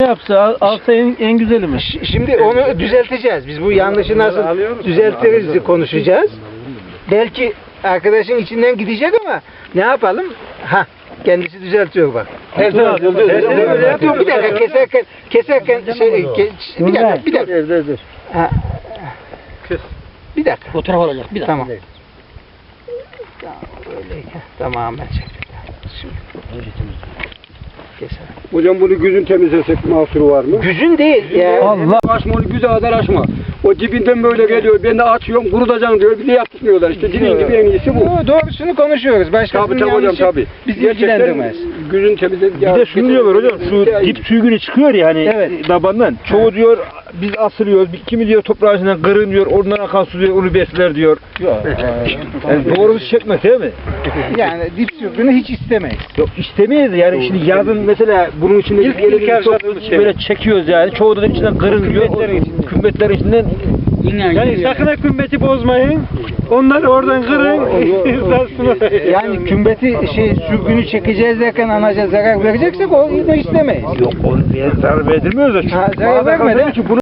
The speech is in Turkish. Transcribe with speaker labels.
Speaker 1: yapsa alsa en güzeli mi?
Speaker 2: Şimdi onu düzelteceğiz. Biz bu yanlışı nasıl düzeltiriz konuşacağız. Belki arkadaşın içinden gidecek ama ne yapalım? Kendisi düzeltiyor bak. Bir dakika keserken bir dakika. Bir dakika.
Speaker 3: Fotoğraf alacak. Bir dakika.
Speaker 2: Tamam. Öyleyken tamamen çektik. Şimdi. Keser.
Speaker 4: Hocam bunu güzün temizlesek mahsuru var mı?
Speaker 2: Güzün değil ya.
Speaker 4: Allah. Açma onu güzel kadar açma. O dibinden böyle geliyor. Ben de açıyorum kurutacaksın diyor. Bir de yaptırmıyorlar işte. Dilin gibi en iyisi bu.
Speaker 2: Doğrusunu konuşuyoruz. Başkasının
Speaker 4: Tabii hocam
Speaker 2: yanlışı
Speaker 4: tabii.
Speaker 2: bizi ilgilendirmez.
Speaker 4: Güzün temizledik.
Speaker 5: Bir de şunu diyorlar hocam, şu dip sürgünü çıkıyor ya hani tabandan. Çoğu diyor biz asılıyoruz, kimi diyor toprağın içinden kırın diyor, oradan akan su diyor, onu besler diyor. Yani doğrusu çekmez değil mi?
Speaker 2: Yani dip sürgünü hiç istemeyiz.
Speaker 5: Yok istemeyiz yani şimdi yazın mesela bunun içinde böyle çekiyoruz yani. Çoğu da içinden kırın diyor, kümbetlerin içinden.
Speaker 1: Yani sakın ha kümbeti bozmayın. Onları oradan kırın.
Speaker 2: Yani kümbeti sürgünü çekeceğiz derken anaca zarar vereceksek onu istemeyiz.
Speaker 5: Yok onu zarar verdirmiyoruz da.
Speaker 2: Zarar vermeden